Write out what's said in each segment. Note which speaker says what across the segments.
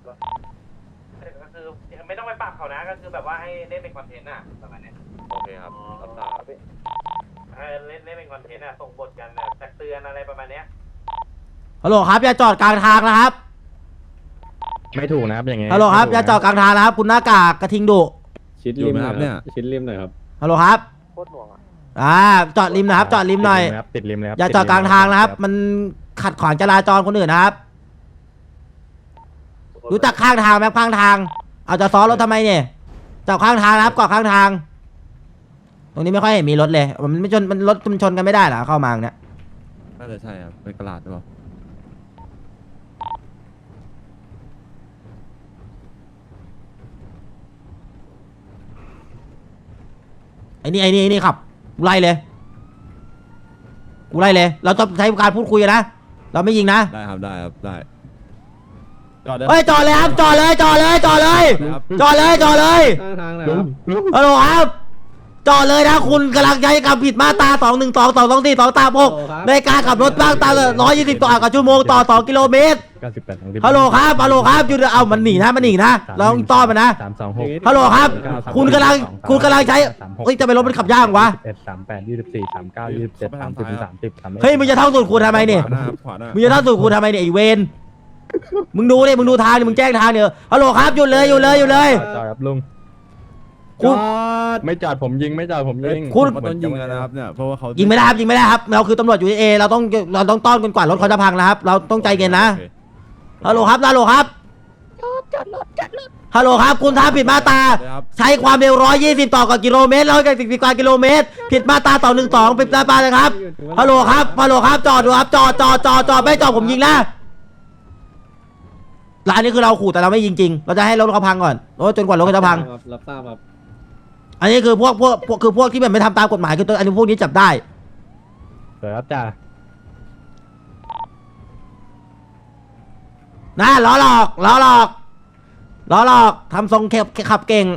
Speaker 1: ก็คือไม่ต้องไปปรับเขานะก็คือแบบว่าให้เล่นเป็นคอนเทนต์อะประมาณนี้
Speaker 2: โอเคครับรับทราบ
Speaker 1: เล่นเป็นคอนเทนต์อะส่งบทกันแบบตักเตือนอะไรประมาณเนี้ย
Speaker 3: ฮัลโหลครับอย่าจอดกลางทางนะครับ
Speaker 4: ไม่ถูกนะครับอย่างเงี้ย
Speaker 3: ฮัลโหลครับอย่าจอดกลางทางนะครับคุณหน้ากากกระทิงดุ
Speaker 4: ชิดริมนะครับเนี่ยชิดริมหน่อยครับ
Speaker 3: ฮัลโหลครับ
Speaker 1: โคตรหน่วงอะ
Speaker 3: จอดริมนะครับจอดริมหน่อย
Speaker 4: ติดริมเลยครับ
Speaker 3: อย่าจอดกลางทางนะครับมันขัดขวางจราจรคนอื่นนะครับรู้จักข้างทางไหมข้างทางเอาจะซ้อนรถทำไมเนี่ยจอดข้างทางนะครับเกาะข้างทาง ตรงนี้ไม่ค่อยเห็นมีรถเลยมันไม่ชนมันรถชนกันไม่ได้เหรอเข้ามาเนี่ย
Speaker 2: น่าจะใช่ครับเป็นกระดาษหรือเปล่า
Speaker 3: ไอ้นี่ขับกูไล่เลยเราต้องใช้การพูดคุยกันนะเราไม่ยิงนะ
Speaker 2: ได้ครับได้ครับได้จอดได้
Speaker 3: เฮ้ยจอดเลยครับจอดเลย
Speaker 4: ข้างทางเลยครับ
Speaker 3: ฮัลโหลครับจอดเลยนะคุณกำลังใช้คำผิดมาตรา212 224 236ในการขับรถบ้างตาม120 ต่อชั่วโมงต่อ2กิโลเมตรฮัลโหลครับหยุดเอามันหนีนะเราต้องต้อนมันนะ
Speaker 4: 326
Speaker 3: ฮัลโหลครับคุณกำลังใช้เฮ้ยจะไปรถมันขับยากวะ
Speaker 4: 38 24 39 27 30 30
Speaker 3: เฮ้ยมึงจะท่องสูตรคูณทำไมเนี่ย
Speaker 2: ขวาหน้าครับขวาหน้า
Speaker 3: มึงจะท่องสูตรคูณทำไมเนี่ยไอเวนมึงดูดิมึงดูทางดิมึงแจ้งทางเดี๋ยวฮัลโหลครับหยุดเลย
Speaker 4: จอดครับลุง
Speaker 3: คุณ
Speaker 4: ไม่จอดผมยิงไม่จอดผมยิง
Speaker 3: คุณ
Speaker 2: มันต้องยิงแล้วนะครับเนี่ยเพราะว่าเขา
Speaker 3: ยิ
Speaker 2: ยิ
Speaker 3: งไม่ได้ครับเราคือตำรวจอยู่เอเราต้องต้อนจนกว่ารถเขาจะพังนะครับเราต้องใจเย็นนะฮัลโหลครับฮัลโหลครับคุณทำผิดมาตราใช้ความเร็ว120 ต่อกิโลเมตร110 กว่ากิโลเมตรผิดมาตรา212ผิดมาตรานะครับฮัลโหลครับจอดดูครับจอดไม่จอดผมยิงนะร้านนี้คือเราขู่แต่เราไม่ยิงจริงเราจะให้รถเขาพังก่อนจนกว่ารถเขาจะพัง
Speaker 4: รับทราบครับ
Speaker 3: อันนี้คือพวกที่แบบไม่ทำตามกฎหมายคือตัวอันนี้พวกนี้จับได้
Speaker 4: สวยครับจ่า
Speaker 3: นะล้อหลอกทำทรงขับเก่ง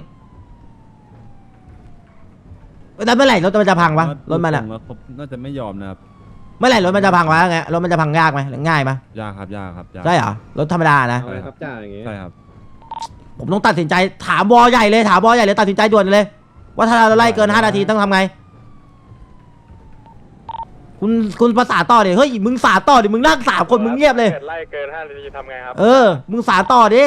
Speaker 3: แล้วเมื่อไหร่รถมันจะพังวะรถมันอะ
Speaker 2: ผมน่าจะไม่ยอมนะครับ
Speaker 3: เมื่อไหร่รถมันจะพังวะไงรถมันจะพังยากไหมหรือง่ายไหม
Speaker 2: ยากครับยากครับยาก
Speaker 3: ใช่เหรอรถธรรมดานะ
Speaker 4: เอาเลยครับจ่าอย่างงี้
Speaker 2: ใช่ครับ
Speaker 3: ผมต้องตัดสินใจถามวอใหญ่เลยตัดสินใจด่วนเลย ว่าถ้าเราไล่เกิน5 นาทีต้องทำไงคุณภาษาต่อดิเฮ้ยมึงสาต่อดิมึงนั่ง3 คนมึงเงียบเลย
Speaker 1: ไล่เกิน5 นาทีทำไงครับ
Speaker 3: มึงสาต่อดิ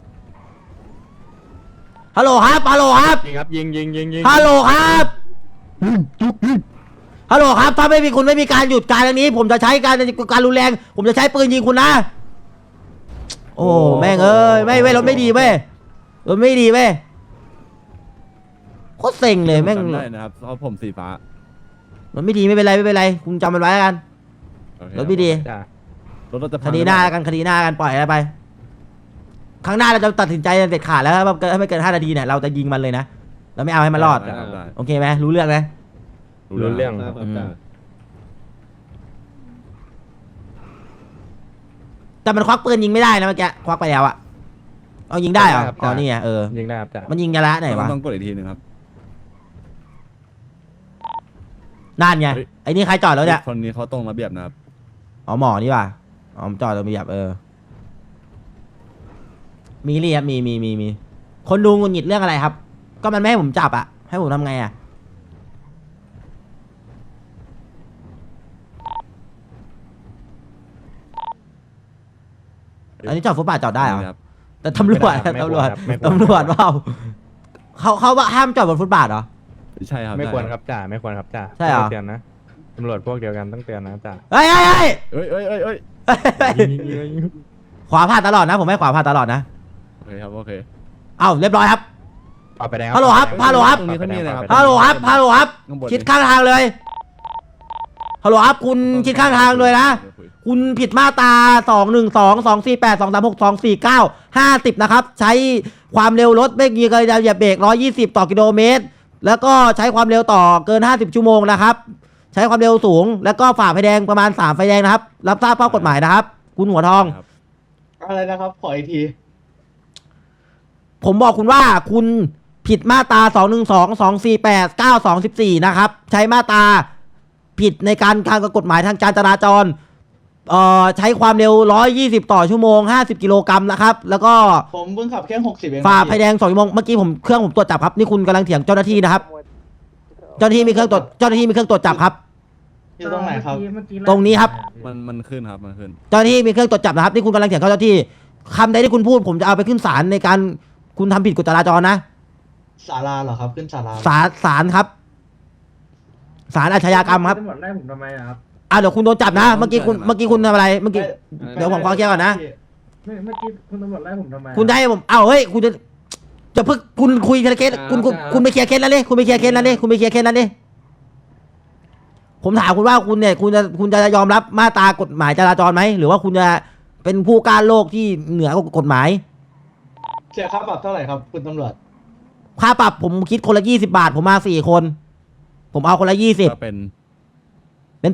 Speaker 3: ฮัลโหลครับ
Speaker 4: ยิงครับยิง
Speaker 3: ฮัลโหลครับถ้าไม่มีคุณไม่มีการหยุดการอย่างนี้ ผมจะใช้การรุนแรงผมจะใช้ปืนยิงคุณนะโอ้แม่งเอ้ยไม่รถไม่ดีเว้ยรถไม่ดีเว้ยโคตรเซ็งเลยแม่ง
Speaker 2: จำได้นะครับเพราะผมสีฟ้าร
Speaker 3: ถไม่ดีไม่เป็นไรคุณจำมันไว้แล้วกัน
Speaker 2: โอเค
Speaker 3: รถไม่ดี
Speaker 4: จ่าร
Speaker 2: ถเราจะ
Speaker 3: คดีหน้ากันปล่อยอะไรไปครั้งหน้าเราจะตัดสินใจเด็ดขาดแล้วครับถ้าไม่เกิน5 นาทีเนี่ยเราจะยิงมันเลยนะเราไม่เอาให้มันรอด
Speaker 2: ได้ครับได้
Speaker 3: โอเคไหมรู้เรื่องไหม
Speaker 4: รู้เรื่อง
Speaker 3: แต่มันควักปืนยิงไม่ได้นะเมื่อกี้ควักไปแล้วอะเอายิงได้เหรออ๋อนี่ไง
Speaker 4: ยิงได้ครับจ่า
Speaker 3: มันยิงยาละไหนวะ
Speaker 2: ต้องกดอีกทีหนึงครับ
Speaker 3: นั่นไงไอ้นี่ใครจอดแล้วเนี่ย
Speaker 2: คนนี้เขาตรงระเบียบนะครับ
Speaker 3: อ๋อหมอนี่ว่ะอ๋อจอดตรงระเบียบมีเรียบมีคนดูงุนหงิดเรื่องอะไรครับ ก็มันไม่ให้ผมจับอะให้ผมทำไงอะอันนี้จอดฟุตบาทจอดได้เหรอ
Speaker 2: ครับ
Speaker 3: แต่ตำรวจเปล่าเขาว่าห้ามจอดบนฟุตบาทเหรอ
Speaker 2: ใช่ครับ
Speaker 4: ไม่ควรครับจ่าไม่ควรครับจ่า
Speaker 3: ใช่เหรอ
Speaker 4: เตือนนะตำรวจพวกเดียวกันต้องเตือนนะจ่า
Speaker 3: เฮ้ย
Speaker 2: เอ้ย
Speaker 3: ขวาผ่านตลอดนะผมให้ขวาผ่านตลอดนะ
Speaker 2: โอเคครับโอเค
Speaker 3: เอ้าเรียบร้อยครับ
Speaker 4: เอาไปแดง
Speaker 3: ฮัลโหลครับ
Speaker 2: ตรงนี้เขามีอะไรครับ
Speaker 3: ฮัลโหลครับ
Speaker 2: ข้างบน
Speaker 3: ชิดข้างทางเลยฮัลโหลครับคุณชิดข้างทางเลยนะคุณผิดมาตรา212 248 236 249 50นะครับใช้ความเร็วรถไม่มีการเหยียบเบรก120 ต่อกิโลเมตรแล้วก็ใช้ความเร็วต่อเกิน50 ชั่วโมงนะครับใช้ความเร็วสูงแล้วก็ฝ่าไฟแดงประมาณ3ไฟแดงนะครับรับทราบข้อกฎหมายนะครับคุณหัวทอง
Speaker 2: ครับ
Speaker 5: อะไรนะครับขออีกที
Speaker 3: ผมบอกคุณว่าคุณผิดมาตรา212 248 9214นะครับใช้มาตราผิดในการกฎหมายทางการจราจรใช้ความเร็ว120ต่อชั่วโมง50กิโลกรัมนะครับแล้วก็
Speaker 5: ผมเพิ่งขับแค่60เอง
Speaker 3: ฝ่าไฟแดง2ชั่วโมงเมื่อกี้เครื่องผมตรวจจับครับนี่คุณกำลังเถียงเจ้าหน้าที่นะครับเจ้าหน้าที่มีเครื่องตรวจจับครับ
Speaker 5: อยู่ตรงไหนครับ
Speaker 3: ตรงนี้ครับ
Speaker 2: มันขึ้นครับมันขึ้น
Speaker 3: เจ้าหน้าที่มีเครื่องตรวจจับนะครับนี่คุณกำลังเถียงเจ้าหน้าที่คำใดที่คุณพูดผมจะเอาไปขึ้นศาลในการคุณทำผิดกฎจราจรนะ
Speaker 5: ศาลาเหรอครับขึ้นศาลา
Speaker 3: ศาลครับศาลอาชญากรรมครับ
Speaker 6: ตำรวจไล่ผมทำไมอะครับ
Speaker 3: เดี๋ยวคุณโดนจับนะเมื่อกี้คุณทำอะไรเมื่อกี้ เดี๋ยวผมขอเคลียร์ก่อนนะ
Speaker 6: เมื่อกี้คุณตำรวจไล่ผมทำไมอะ
Speaker 3: คุณจะให้ผมเฮ้ยคุณจะเพิ่งคุณคุยเคสคุณไปเคลียร์เคสแล้วนี่คุณไปเคลียร์เคสแล้วนี่ผมถามคุณว่าคุณเนี่ยคุณจะยอมรับมาตรากฎหมายจราจรไหมหรือว่าคุณจะเป็นผู้ก้าวโลกที่เหนือกฎหมาย
Speaker 5: เสียค่าปรับเท่าไหร่ครับคุณตำรวจ
Speaker 3: ค่าปรับผมคิดคนละ20 บาทผมมา4 คน ผมเอาคนละ20
Speaker 2: ก็เป็น
Speaker 3: เป็น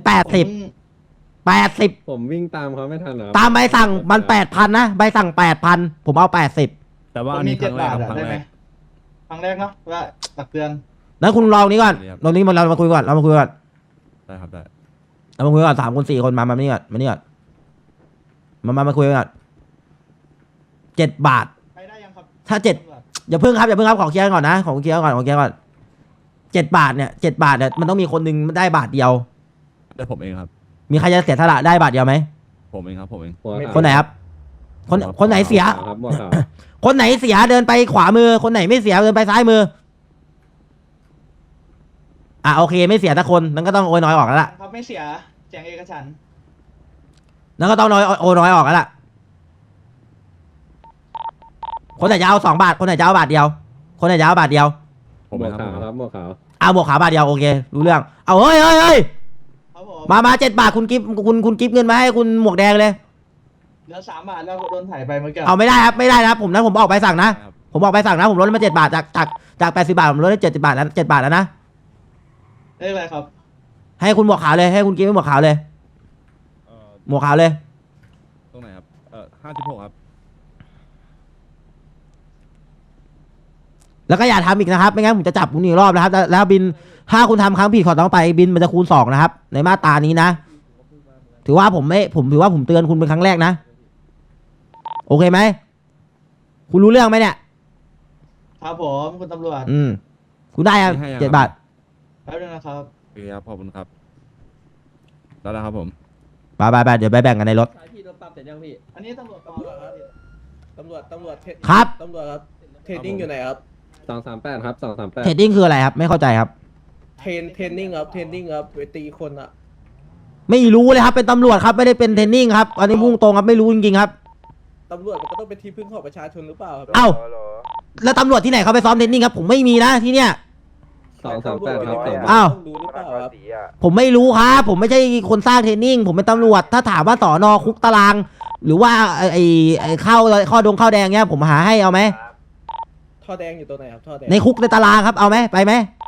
Speaker 3: 80
Speaker 4: ผมวิ่งตามเขาไม่ทันเหรอ
Speaker 3: ตามใบสั่งมัน8,000นะใบสั่ง8,000ผมเอา80
Speaker 2: แต่ว่า
Speaker 5: ผม
Speaker 2: อัน
Speaker 5: มี
Speaker 2: นี้ครั้งแรกครับ
Speaker 5: 7 บาท
Speaker 2: ครั้ง
Speaker 5: ได้
Speaker 2: แร
Speaker 5: ไหม
Speaker 2: ก
Speaker 5: ครั้งแรกเนาะว่าตักเตือน
Speaker 3: แล้วคุณลองนี้ก่อน
Speaker 2: ครับ
Speaker 3: ลองนี้เรามาคุยก่อนเรามาคุยก่อน
Speaker 2: ได้ครับได้
Speaker 3: เรามาคุยก่อน3 คน4 คนมานี่ก่อนมาคุยก่อน7 บาท
Speaker 5: ไปได้ยังครับ
Speaker 3: ถ้า7
Speaker 5: ตำรวจ
Speaker 3: อย่าเพิ่งครับขอเคลียร์ก่อนนะขอเคลียร์ก่อน7 บาทเนี่ยมันต้องมีคนหนึงได้บาทเดียว
Speaker 2: ได้ผมเองครับ
Speaker 3: มีใครจะเสียสละได้บาทเดียวไหม
Speaker 2: ผมเองครับผมเอง
Speaker 4: หัวขาว
Speaker 3: คนไหนครับ คนไหนเสีย
Speaker 4: ครับหัวขาว
Speaker 3: คนไหนเสียเดินไปขวามือ คนไหนไม่เสียเดินไปซ้ายมือโอเคไม่เสียสักคนนั้นก็ต้องโอยน้อยออกแล้วล่ะ
Speaker 5: ครับไม่เสียแจงเอกฉันท์
Speaker 3: นั้นก็ต้องโอยน้อยออกแล้วล่ะคนไหนจะเอา2 บาทคนไหนจะเอาบาทเดียว คนไหนจะเอาบาทเดียว
Speaker 2: ผม
Speaker 4: หั
Speaker 2: เอ
Speaker 4: ว
Speaker 2: งครับ
Speaker 4: ขาวครับหัวขาว
Speaker 3: เอาหมวกขาวบาทเดียวโอเครู้เรื่องเอาเฮ้ย
Speaker 5: ครับผม
Speaker 3: มา7 บาทคุณกิฟเงินมาให้คุณหมวกแดงเลย
Speaker 5: เหลือ3 บาทแล้วโดนถ่ายไปเมื่อกี้
Speaker 3: เอาไม่ได้ครับผมออกใบสั่งนะ ผมออกใบสั่งนะผมลดมา7 บาทจาก80 บาทผมลดได้70 บาทแล้ว7 บาทแล้วนะ
Speaker 5: ได้อะไรครับ
Speaker 3: ให้คุณหมวกขาวเลยให้คุณกิฟหมวกขาวเลย หมวกขาวเลย
Speaker 2: ตรงไหนครับ56ครับ
Speaker 3: แล้วก็อย่าทำอีกนะครับไม่งั้นผมจะจับคุณอีกรอบนะครับแล้วบินถ้าคุณทำครั้งผิดขอต้องไปบินมันจะคูณ2นะครับในมาตรานี้นะถือว่าผมถือว่าผมเตือนคุณเป็นครั้งแรกนะโอเคไหมคุณรู้เรื่องไหมเนี่ย
Speaker 5: ครับผมคุณตำรวจ
Speaker 3: คุณได้ครับ7 บาท
Speaker 5: แป๊บนึงนะครับ
Speaker 2: โอเคครับขอบคุณครับแล้วนะครับผม
Speaker 3: ไปเดี๋ยวไปแบ่งกันในรถ
Speaker 6: พี่โดนปรับเสร็จยังพี่
Speaker 5: อันนี้ตำรวจปลอมเหรอครับ
Speaker 6: ตำรวจ
Speaker 3: ครับ
Speaker 6: ตำรวจครับ เทรนนิ่งอยู่ไหนครับ
Speaker 4: 238ครับ238
Speaker 3: เทรดดิ้งคืออะไรครับไม่เข้าใจครับ
Speaker 6: เทรนนิ่งครับไปตีคนอะ
Speaker 3: ไม่รู้เลยครับเป็นตำรวจครับไม่ได้เป็นเทรนนิ่งครับอันนี้พุ่งตรงครับไม่รู้จริงๆครับ
Speaker 6: ตำรวจมันก็ต้องเป็นที่พึ่งของประชาชนหรือเปล่าครับ
Speaker 3: เอ้าแล้วตำรวจที่ไหนเขาไปซ้อมเทรนนิ่งครับผมไม่มีนะที่เนี่ย
Speaker 4: 238ครับ
Speaker 3: อ้าว
Speaker 6: ต้องรู้หรือเปล่าครับ
Speaker 3: ผมไม่รู้ครับผมไม่ใช่คนสร้างเทรนนิ่งผมเป็นตำรวจถ้าถามว่าสอนอคุกตาราง หรือว่าไอ้ข้าวแดงเนี้ยผมหาให้เอาไหม
Speaker 6: ท่อแดงอยู่ตรงไหนครับท่อแดง
Speaker 3: ในคุกในตารางครับเอาไหมไปไหม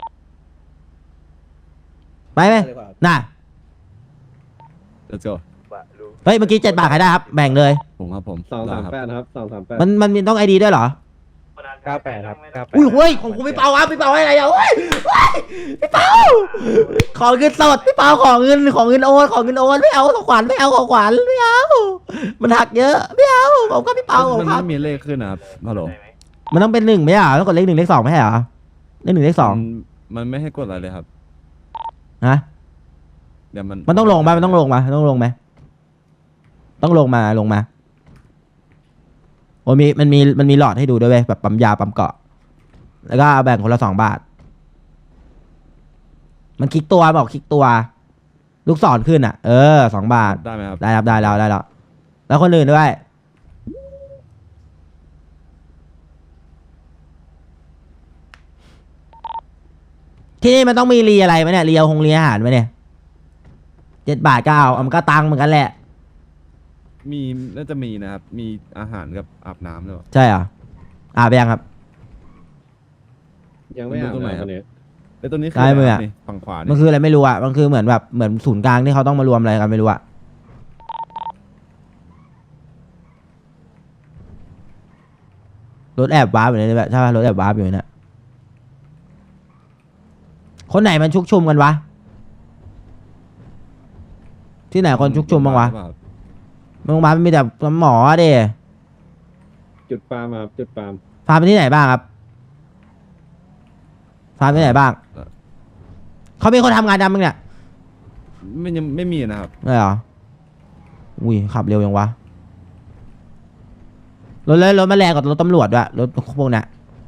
Speaker 6: เลยครับ
Speaker 3: น่ะ
Speaker 2: let's go
Speaker 3: เฮ้ยเมื่อกี้7 บาทใครได้ครับแบ่งเลย
Speaker 2: ผมครับผม
Speaker 4: 238ครับ238
Speaker 3: มันมีต้องไอดีด้วยเหรอ
Speaker 4: 98ครับ98
Speaker 3: อุ้ยเฮ้ยของคุณพี่เปาครับพี่เปาให้อะไรอ่ะเฮ้ยพี่เปาขอเงินสดพี่เปาขอเงินโอนไม่เอาของขวัญไม่เอามันหักเยอะไม่เอาผมก็พี่เปาของ
Speaker 2: มัน
Speaker 3: ครับ
Speaker 2: ไม่มีเลขขึ้นนะครับฮัลโหล
Speaker 3: มันต้องเป็น1ไม่ใช่เหรอต้องกดเลข1เลข2ไม่ใช่เหรอเลข1เลข
Speaker 2: มันไม่ให้กดอะไรเลยครับ
Speaker 3: 2ฮะ
Speaker 2: เดี๋ยวมัน
Speaker 3: มันต้องลงไหมต้องลงมาโอ้ยมันมีหลอดให้ดูด้วยเว้ยแบบปั๊มยาปั๊มเกาะแล้วก็แบ่งคนละ2 บาท มันคลิกตัวบอกคลิกตัว ลูกศรขึ้นอ่ะ2 บาท
Speaker 2: ได้ไหมครับ
Speaker 3: ได้ครับได้แล้วแล้วคนอื่นด้วย ที่นี่มันต้องมีรีอะไรไหมเนี่ยรีเอารีอาหารไหมเนี่ย7 บาทก็เอามันก็ตังค์เหมือนกันแหละ
Speaker 2: มีน่าจะมีนะครับมีอาหารกับอาบน้ำด้วย
Speaker 3: ใช่เหรออาบยังครับ
Speaker 4: ยังไม่อ่าน
Speaker 2: ตรงไหน
Speaker 4: เลย
Speaker 2: ค
Speaker 4: ค
Speaker 2: รั
Speaker 4: รับ บนี้
Speaker 2: แล้วตัวนี้คือ
Speaker 3: ซ้ายมืออะ
Speaker 2: ะไรครับนี่ฝั่งขวา
Speaker 3: มั
Speaker 2: นี่
Speaker 3: นคืออะไรไม่รู้อ่ะมันคือเหมือนแบบเหมือนศูนย์กลางที่เขาต้องมารวมอะไรกันไม่รู้อ่ะรถแอบวาร์ปอยู่เนี่ยแบบใช่ป่ะรถแอบวาร์ปอยู่เนี่ยคนไหนมันชุกชุมกันวะที่ไหนคนชุกชุมบ้างวะ
Speaker 2: หรือเปล่า
Speaker 3: โรงพยาบาลมีแต่หมอเด้
Speaker 2: จุดปาล์มครับจุดปาล์ม
Speaker 3: พาไปที่ไหนบ้างครับพาไปที่ไหนบ้างเขามีคนทำงานดำมั้งเนี่ย
Speaker 2: ยังไม่มีนะครับ
Speaker 3: ไม่เหรออุ้ยขับเร็วยังวะรถมันแรงกว่ารถตำรวจด้วยรถพวกเนี้ย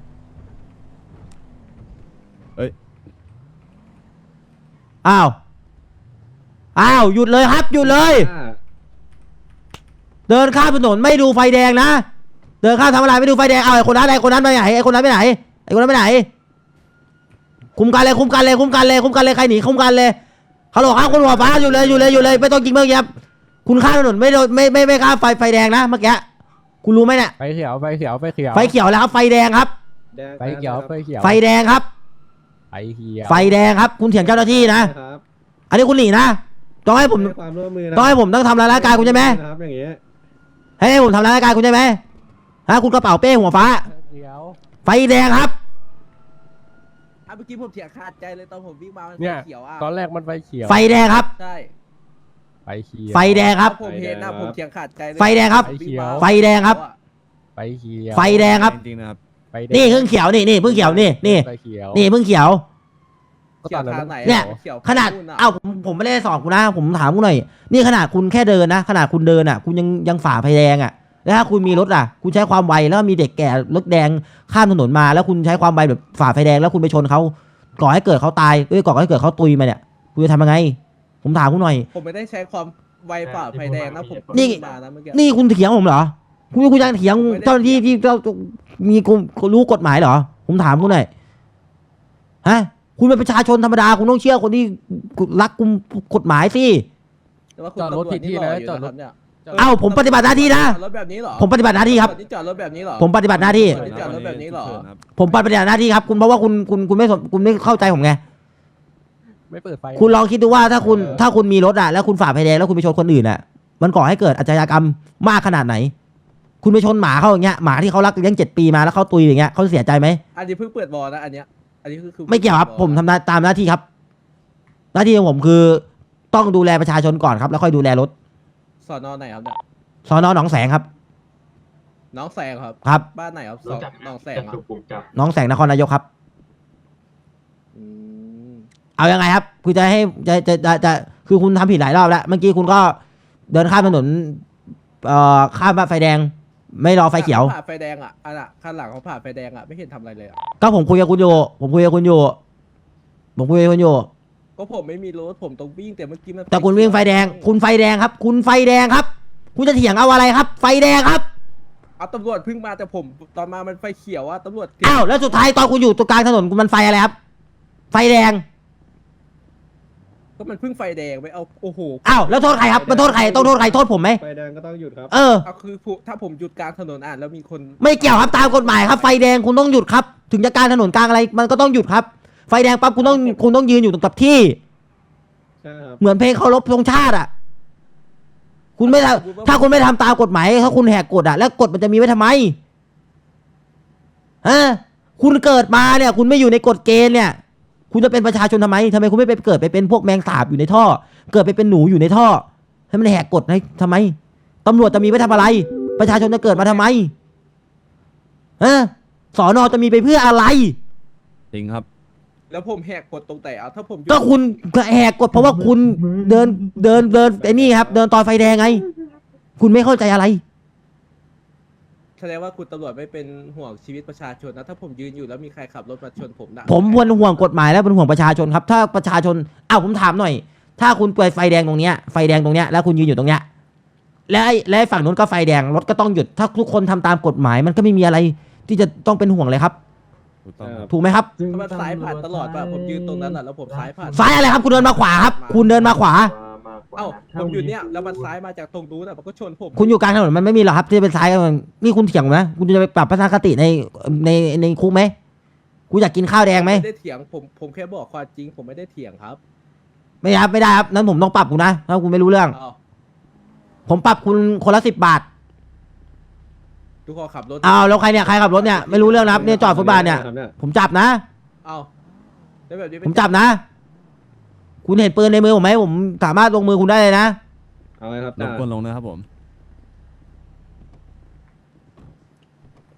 Speaker 2: เอ้ย
Speaker 3: อ้าวหยุดเลยครับหยุดเลย เดินข้ามถนนไม่ดูไฟแดงนะเดินข้ามทำอะไรไม่ดูไฟแดงเอาไอ้คนนั้นไปไหนไอ้คนนั้นไปไหนคุมกันเลยใครหนีคุมกันเลยฮัลโหลครับคุณหัวฟ้าอยู่เลยไม่ต้องยิงเมื่อกี้ครับคุณข้ามถนนไม่ข้ามไฟแดงนะเมื่อกี้คุณรู้ไหมเนี่ย
Speaker 4: ไฟเขียวไฟเขียวไฟเขียว
Speaker 3: ไฟเขียวแล้วครับไฟแดงครับ
Speaker 4: ไฟเขียวไฟเขียว
Speaker 3: ไฟแดงครับ
Speaker 4: ไฟเขียว
Speaker 3: ไฟแดงครับคุณเถียงเจ้าหน้าที่นะอันนี้คุณหนีนะต้องให้ผม
Speaker 2: ความร่วมมือนะ
Speaker 3: ต้องทำร้ายร่างกายคุณใช่ไหม
Speaker 2: ครับอย่างเงี้ย
Speaker 3: ให้ผมทำร้ายร่างกายคุณใช่ไหมฮะคุณกระเป๋าเป้หัวฟ้า
Speaker 4: เขียว
Speaker 3: ไฟแดงครับ
Speaker 6: เมื่อกี้ผมเถียงขาดใจเลยตอนผมวิ่งมามัน
Speaker 4: เนี่ย
Speaker 6: เขียวอ่ะ
Speaker 4: ตอนแรกมันไฟเขียว
Speaker 3: ไฟแดงครับ
Speaker 6: ใช่
Speaker 4: ไฟเขียว
Speaker 3: ไฟแดงครับ
Speaker 6: ผมเห็นนะผมเถียงขาดใจเลย
Speaker 3: ไฟแดงครับ
Speaker 6: ผมวิ่งมา
Speaker 3: ไฟแดงครับ
Speaker 4: ไฟเขียว
Speaker 3: ไฟแดงครับ
Speaker 2: จริงๆนะครับ
Speaker 4: ไฟแดง
Speaker 3: นี่เพิ่งเขียวนี่เพิ่งเขียวนี่
Speaker 4: ไฟเขียว
Speaker 3: เพิ่งเขียว
Speaker 6: เขียวทางไหน
Speaker 3: เนี่ย
Speaker 6: ขีว
Speaker 3: ขนาด
Speaker 6: นู่ะ
Speaker 3: ผมไม่ได้สอนคุณนะผมถามคุณหน่อยนี่ขนาดคุณแค่เดินนะขนาดคุณเดินอ่ะคุณยังฝ่าไฟแดงอ่ะแล้วถ้าคุณมีรถอ่ะคุณใช้ความไวแล้วมีเด็กแก่รถแดงข้ามถนนมาแล้วคุณใช้ความไวแบบฝ่าไฟแดงแล้วคุณไปชนเขาก่อให้เกิดเขาตายก่อให้เกิดเขาตุยมาเนี่ยคุณจะทำยังไง ผมถามคุณหน่อย
Speaker 6: ผมไม่ได้ใช้ความไวฝ่าไฟแดงนะผม
Speaker 3: นี่
Speaker 6: วิ่งมานะเมื่อกี้
Speaker 3: นี่คุณเถียงผมเหรอคุณยังเถียงเจ้าหน้าที่ที่มีรู้กฎหมายเหรอผมถามคุณหน่อยฮะคุณเป็นประชาชนธรรมดาคุณต้องเชื่อคนที่รักกุมกฎหมายสิ
Speaker 6: แต่ว่าคุณ
Speaker 4: จอดรถผิดที่นะ
Speaker 6: ตำวจ
Speaker 4: จอดรถ
Speaker 6: นี่หล่อยู่นะครับเนี่ย
Speaker 3: เอ้าผมปฏิบัติหน้าที่นะ
Speaker 6: จอดรถแบบนี้เหรอ
Speaker 3: ผมปฏิบัติหน้าที่ครับ
Speaker 6: นี่จอดรถแบบนี้เหรอ
Speaker 3: ผมปฏิบัติหน้าที่
Speaker 6: ไม่จอดรถแบบนี้เหรอ
Speaker 3: ผมปฏิบัติหน้าที่ครับคุณเพราะว่าคุณไม่เข้าใจผมไง
Speaker 4: ไม่เปิดไฟ
Speaker 3: คุณลองคิดดูว่าถ้าคุณมีรถอ่ะแล้วคุณฝ่าไฟแดงแล้วคุณไปชนคนอื่นอ่ะมันก่อให้เกิดอาชญากรรมมากขนาดไหน คุณไปชนหมาเขาอย่างเงี้ยหมาที่เขารักเลี้ยง7 ปีมาแล้วเขาตุยอย่างเงี้ยเขาเสียใจไหม
Speaker 6: อันนี้เพิ่งเปิดบอลนะอันเนี้ยอันนี้คือ
Speaker 3: ไม่เกี่ยวครับผมทำตามหน้าที่ครับ หน้าที่ของผมคือต้องดูแลประชาชนก่อนครับแล้วค่อยดูแลรถ
Speaker 6: สอนอไหนครับเนี่ย
Speaker 3: สอนอหนองแสงครับ
Speaker 6: น้องแสงครับ
Speaker 3: ครับ
Speaker 6: บ้านไหนครับ
Speaker 1: รู้จัก
Speaker 6: น้องแสงครับ
Speaker 3: หนองแสงนครนายกครับ
Speaker 6: อืม
Speaker 3: เอายังไงครับคุณจะให้จะคือคุณทำผิดหลายรอบแล้วเมื่อกี้คุณก็เดินข้ามถนนข้ามไฟแดง ไม่รอไฟเขียว
Speaker 6: ผ่าไฟแดงอ่ะอันน่ะข้างหลังเขาผ่าไฟแดงอ่ะไม่เห็นทำอะไรเลยอ่ะ
Speaker 3: ก็ผมคุยกับคุณอยู่
Speaker 6: ก็ผมไม่มีรถผมต้องวิ่งแต่เมื่อกี้มัน
Speaker 3: แต่คุณวิ่งไฟแดง คุณไฟแดงครับ คุณไฟแดงครับ คุณจะเถียงเอาอะไรครับ ไฟแดงครับ
Speaker 6: เอาตำรวจเพิ่งมาแต่ผมตอนมามันไฟเขียวอ่ะตำรวจ
Speaker 3: อ้าวแล้วสุดท้ายตอนคุณอยู่ตรงกลางถนนมันไฟอะไรครับ ไฟแดง
Speaker 6: ก็มันเพิ่งไฟแดงไปเอาโอ้โห
Speaker 3: อ้าวแล้วโทษใครครับมันโทษใครต้องโทษใครโทษผมไหม
Speaker 2: ไฟแดงก็ต้องหยุดครับ
Speaker 3: เออ
Speaker 6: เอาคือถ้าผมหยุดกลางถนนอ่ะแล้วมีคน
Speaker 3: ไม่เกี่ยวครับตามกฎหมายครับไฟแดงคุณต้องหยุดครับ ถึงจะกลางถนนกลางอะไรมันก็ต้องหยุดครับ ไฟแดงปั๊บคุณต้องยืนอยู่ตรงกับที่
Speaker 2: ใช่ครับ
Speaker 3: เหมือนเพลงเคารพธงชาติอ่ะ คุณไม่ทำถ้าคุณไม่ทำตามกฎหมายถ้าคุณแหกกฎอ่ะแล้วกฎมันจะมีไว้ทำไมฮะคุณเกิดมาเนี่ย คุณไม่อยู่ในกฎเกณฑ์เนี่ย คุณจะเป็นประชาชนทำไมคุณไม่ไปเกิดไปเป็นพวกแมงสาบอยู่ในท่อ เกิดไปเป็นหนูอยู่ในท่อให้มันแหกกฎให้ทำไมตำรวจจะมีไว้ทำอะไร ประชาชนจะเกิดมาทำไมฮะสอนอจะมีไปเพื่ออะไร
Speaker 2: จริงครับ
Speaker 6: แล้วผมแหกกฎตรงไหนอ่ะถ้าผมหยุด
Speaker 3: ก็คุณแหกกฎเพราะว่าคุณเดินไอ้นี่ครับ เดินตอนไฟแดงไง คุณไม่เข้าใจอะไร
Speaker 6: แสดงว่าคุณตำรวจไม่เป็นห่วงชีวิตประชาชนนะถ้าผมยืนอยู่แล้วมีใครขับรถมาชนผมนะ
Speaker 3: ผมเป็นห่วงกฎหมายและเป็นห่วงประชาชนครับ ถ้าประชาชนผมถามหน่อย ถ้าคุณเปิดไฟแดงตรงเนี้ยไฟแดงตรงเนี้ยแล้วคุณยืนอยู่ตรงเนี้ยและไอ้ฝั่งนู้นก็ไฟแดงรถก็ต้องหยุด ถ้าทุกคนทำตามกฎหมายมันก็ไม่มีอะไร ที่จะต้องเป็นห่วงเลยครับ
Speaker 2: ถูกต้องครับ
Speaker 3: ถูกไหมครับ
Speaker 6: มันซ้ายผ่านตลอดป่ะผมยืนตรงนั้นอ่ะแล้วผมซ้ายผ่าน
Speaker 3: ซ้ายอะไรครับ คุณเดินมาขวาครับ คุณเดินมาขวา
Speaker 6: เอ้าผมอยู่เนี่ยแล้วมันซ้ายมาจากตรงนู้นอ่ะมันก็ชนผม
Speaker 3: คุณอยู่กลางถนนมันไม่มีหรอกครับที่จะเป็นซ้ายกันนี่คุณเถียงนะคุณจะไปปรับทัศนคติในคุกไหมคุณอยากกินข้าวแดงไหม
Speaker 6: ไม่ได้เถียงผมแค่บอกความจริงผมไม่ได้เถียงครับ
Speaker 3: ไม่ได้ครับนั้นผมต้องปรับคุณนะถ้าคุณไม่รู้เรื่อง
Speaker 6: เอ้า
Speaker 3: ผมปรับคุณคนละ10 บาท
Speaker 6: ทุกคนขับรถ
Speaker 3: แล้วใครเนี่ยใครขับรถเนี่ยไม่รู้เรื่องนะครับเนี่ยจอดฟุตบาทเนี่ย ผมจับนะ
Speaker 6: เอ้าแล้วแบบนี้
Speaker 3: ผมจับนะ คุณเห็นปืนในมือผมไหมผมสามารถลงมือคุณได้เลยนะ
Speaker 2: เอาไงครับรบกวนลงนะครับผม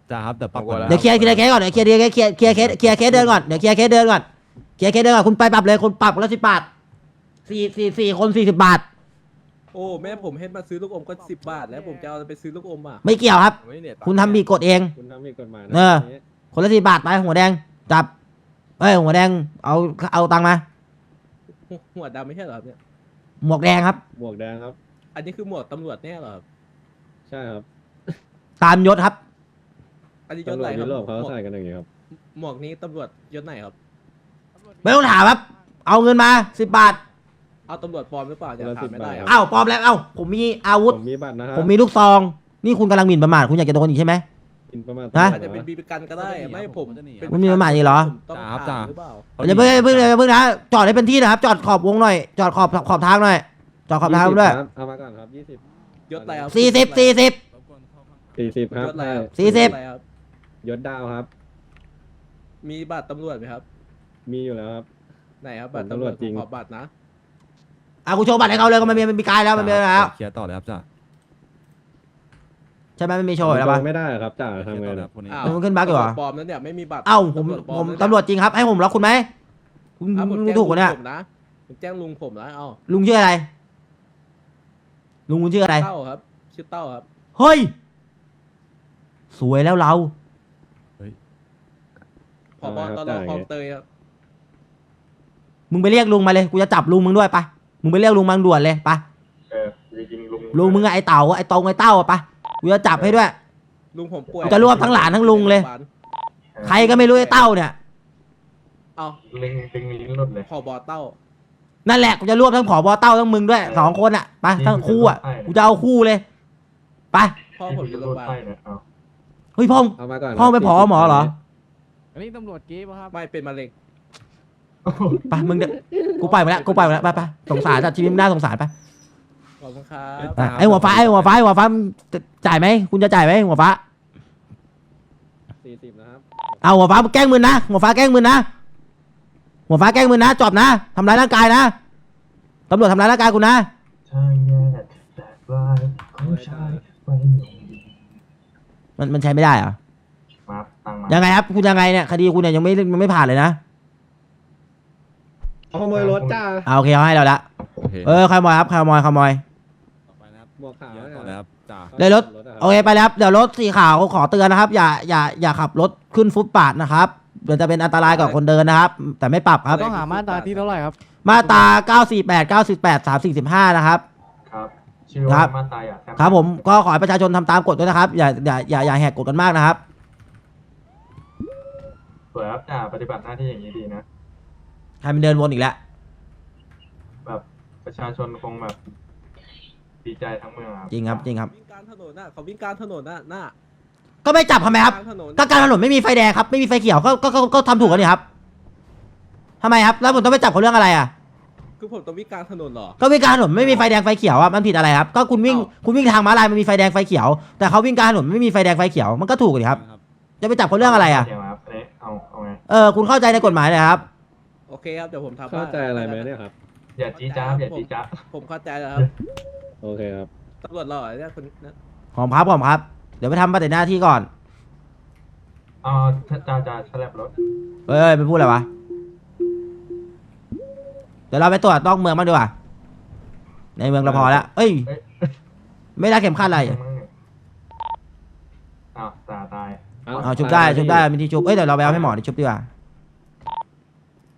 Speaker 2: จ่าครับแต่ปรับ
Speaker 3: เดี๋ยวเคลียร์เคสก่อนเดี๋ยวเคลียร์เคสเดินก่อนเดี๋ยวเคลียร์เคสเดินก่อนคุณไปปรับเลยคุณปรับคนละ10 บาท4คน40 บาท
Speaker 6: โอ้แม่ผมให้มาซื้อลูกอมก็10 บาท แล้วผมจะเอาไปซื้อลูกอมอ่ะ
Speaker 3: ไม่เกี่ยวครับ คุณทำผิดกฎเอง
Speaker 4: คุณทำผิดกฎหมาย
Speaker 3: เออ คนละ10 บาทไปหัวแดงจับหัวแดงเอาตังค์มา
Speaker 6: หัวดำไม่ใช่เหรอครับเนี่ย
Speaker 3: หมวกแดงครับ
Speaker 4: หมวกแดงครับ
Speaker 6: อันนี้คือหมวกตำรวจแน่เหรอครับ
Speaker 4: ใช่ครับ
Speaker 3: ตามยศครับ
Speaker 6: อันนี้ยศ
Speaker 4: ตำร
Speaker 6: ไห
Speaker 4: วน จ
Speaker 6: ค
Speaker 4: ยุ
Speaker 6: รับ
Speaker 4: โรปเขาใส่กันอย่างนี้ครับ
Speaker 6: หมวกนี้ตำรวจยศไหนครับ
Speaker 3: ไม่ต้องถามครับ เอาเงินมา10 บาท
Speaker 6: เอาตำรวจปลอมหรือเปล่าจะถามไม่ได้ครับ
Speaker 3: เอ้าปลอมแล้วผมมีอาวุธ
Speaker 4: ผมมีบัตรนะครับ
Speaker 3: ผมมีลูกซอง นี่คุณกำลังหมิ่นประมาทคุณอยากจะโดนอีกใช่ไหม
Speaker 4: กินประมาณ
Speaker 3: ฮะ
Speaker 6: อาจจะเป็นบีบีกันก็ได้ไม่ผมเป็น
Speaker 3: คุณมีประมาทอีกเหรอ
Speaker 6: ผมต้องถามหรือเปล่า
Speaker 3: อย่าเพิ่งนะจอดให้เป็นที่นะครับ จอดขอบวงหน่อย จอดขอบทางหน่อย จอดขอบทางด้วย
Speaker 4: ครับเอามาก่อนครับ20
Speaker 6: ยศอะไรครับ
Speaker 3: 40
Speaker 4: 40ครับ
Speaker 6: ยศอะไรครับ
Speaker 3: 40
Speaker 6: ยศอะไรครับ
Speaker 4: ยศดาวครับ
Speaker 6: มีบัตรตำรวจไหมครับ
Speaker 4: มีอยู่แล้วครับ
Speaker 6: ไหนครับบัตร
Speaker 4: ผมตำรวจจริง
Speaker 6: ขอบัตรนะ
Speaker 3: กูโชว์บัตรให้เขาเลยก็มันมีกายแล้วมันมีแล้ว
Speaker 2: เคลียร์ต่อเลยครับจ่า
Speaker 3: ใช่ไหมมันมีโชว์อยู่แล้วปะ
Speaker 4: ไม่ได้ครับจ่า
Speaker 2: เคลีย
Speaker 4: ทำ
Speaker 2: ร์
Speaker 4: ไง
Speaker 2: ต่อเลย
Speaker 4: ล่ะ
Speaker 2: ครับคนนี้
Speaker 6: อ้าว
Speaker 3: มันขึ้นบั๊กอยู่เหรอ
Speaker 6: ตำวจปลอมแล้วเนี่ยไม่มีบัตร
Speaker 3: เอ้าผม
Speaker 6: ปลอ
Speaker 3: ผม
Speaker 6: แล้วเนี่ย
Speaker 3: ตำรวจจริงครับ ให้ผมล็อกคุณไหมคุณ
Speaker 6: อ้าวผม
Speaker 3: ดู
Speaker 6: แจ้ง
Speaker 3: ถูกกว่าเนี่ย
Speaker 6: ลุงผมนะผมแจ้งลุงผมนะเอ้า
Speaker 3: ลุงชื่ออะไร ลุงคุณชื่ออะไร
Speaker 6: เต้าครับชื่อเต้าครับ
Speaker 3: เฮ้ย สวยแล้วเรา
Speaker 6: ผบตรคลองเตยครับ
Speaker 3: มึงไปเรียกลุงมาเลย กูจะจับลุงมึงด้วยปะมึงไปเรียกลุงมังด่วนเลยปะ
Speaker 1: จริงๆลุง
Speaker 3: ลุงมึงอะไอเต่าไอตรงไอเต้าอะปะกูจะจับให้ด้วย
Speaker 6: ลุงผมป่วย
Speaker 3: จะรวบทั้งหลานทั้งลุงเลย ใครก็ไม่รู้ไอเต้าเนี่ย
Speaker 6: เอา
Speaker 1: ลิงลิ้นหลุดเลย
Speaker 6: ผบเต้า
Speaker 3: นั่นแหละกูจะรวบทั้งผอบอเต้าทั้งมึงด้วย2 คนอะไปทั้งคู่อะกูจะเอาคู่เลยไป
Speaker 6: พ่อผมอยู่โรงพยาบาล
Speaker 3: เฮ้ยพ่อ
Speaker 4: เอามาก่อน
Speaker 3: พ่อไปผอหมอเหรอ
Speaker 7: อันนี้ตำรวจกี้ป่ะครับ
Speaker 6: ไม่เป็นมะเร็ง
Speaker 3: ไปมึงเดี๋ยวกูปล่อยมาแล้วไปสงสารจัดชีวิตมึงน่าสงสารไป
Speaker 6: ขอบคุณครับ
Speaker 3: ไอหัวฟ้ามึงจ่ายไหมคุณจะจ่ายไหมหัวฟ้า
Speaker 4: 40นะครับ
Speaker 3: เอาหัวฟ้าแกล้งมึนนะหัวฟ้าแกล้งมึนนะหัวฟ้าแกล้งมึนนะจบนะทำร้ายร่างกายนะตำรวจทำร้ายร่างกายกูนะ
Speaker 1: ใช่แย่แต่ว่าของชายไป
Speaker 3: มันใช้ไม่ได้เหรอ
Speaker 1: มาตังมา
Speaker 3: ยังไงครับคุณยังไงเนี่ยคดีคุณเนี่ยยังไม่ผ่านเลยนะ
Speaker 4: เอาขโมยรถจ้า
Speaker 3: เอาโอเคเอาให้เราละ
Speaker 2: โอเค
Speaker 3: ขโมยครับขโมย
Speaker 2: ต่อไปนะครับ
Speaker 4: หมวกขาว
Speaker 2: เคลียร์ต่อเลยครับจ่า
Speaker 3: เลยรถ โอเคไปแล้วครับเดี๋ยวรถสีขาวขอเตือนนะครับ อย่าขับรถขึ้นฟุตบาทนะครับเดี๋ยวจะเป็นอันตรายกับคนเดินนะครับ แต่ไม่ปรับครับ
Speaker 7: ต้องหามาตราที่เท่าไหร่ครับ
Speaker 3: มาตรา948 345นะครับ
Speaker 1: ครับ ชื่อว่ามาตายอ่ะ
Speaker 3: ครับผมก็ขอให้ประชาชนทำตามกฎด้วยนะครับ อย่าแหกกฎกันมากนะครับ
Speaker 1: สวยครับจ่าปฏิบัติหน้าที่อย่างนี้ดีนะ
Speaker 3: ใครมันเดินวนอีกแล้ว
Speaker 1: แบบประชาชนคงแบบดีใจทั้งเมืองครับ
Speaker 3: จริงครับ
Speaker 6: วิ่งกลางถนนน่ะเขาวิ่งกลางถนนน่ะหน้า
Speaker 3: ก็ไม่จับทำไมครับ
Speaker 6: กลางถนน
Speaker 3: ก็การถนนไม่มีไฟแดงครับไม่มีไฟเขียวก็ทำถูกกันนี่ครับทำไมครับแล้วผมต้องไปจับเขาเรื่องอะไรอ่ะ
Speaker 6: คือผมต้องวิ่งกลางถนนเหรอ
Speaker 3: ก็วิ่งกลางถนนไม่มีไฟแดงไฟเขียวอ่ะมันผิดอะไรครับก็คุณวิ่ง
Speaker 6: อ้าว
Speaker 3: คุณวิ่งทางม้าลายมันมีไฟแดงไฟเขียวแต่เขาวิ่งกลางถนนไม่มีไฟแดงไฟเขียวมันก็ถูกดิครับจะไปจับเขาเรื่องอะไรอ่ะ
Speaker 1: เดี๋ยวครับอันนี้เอาไง
Speaker 3: คุณเข้าใจในกฎหมายเลยครับ
Speaker 6: โอเคครับเดี๋ยวผมทำ
Speaker 4: เข้าใจอะไรไหมเนี่ยครับ
Speaker 1: อย่าจี้จ้าบอย่าจี้จ้าบ
Speaker 6: ผมเข้าใจแล้วครับ
Speaker 4: โอเคครับ
Speaker 6: ตำรวจหล่อเนี่ยคนนั้น
Speaker 3: หอมครับ เดี๋ยวไปทำปฏิหน้าที่ก่อน
Speaker 1: อ๋อจ่าสลับรถ
Speaker 3: เอ้ยไปพูดอะไรวะเดี๋ยวเราไปตรวจนอกเมืองบ้างดีกว่าในเมืองเราพอแล้วเอ้ย ไม่ได้เข็มขัดอะไร
Speaker 1: อ้าวจ่าตาย
Speaker 3: เอาชุบได้มีที่ชุบเอ้ยเดี๋ยวเราไปเอาให้หมอที่ชุบดีกว่า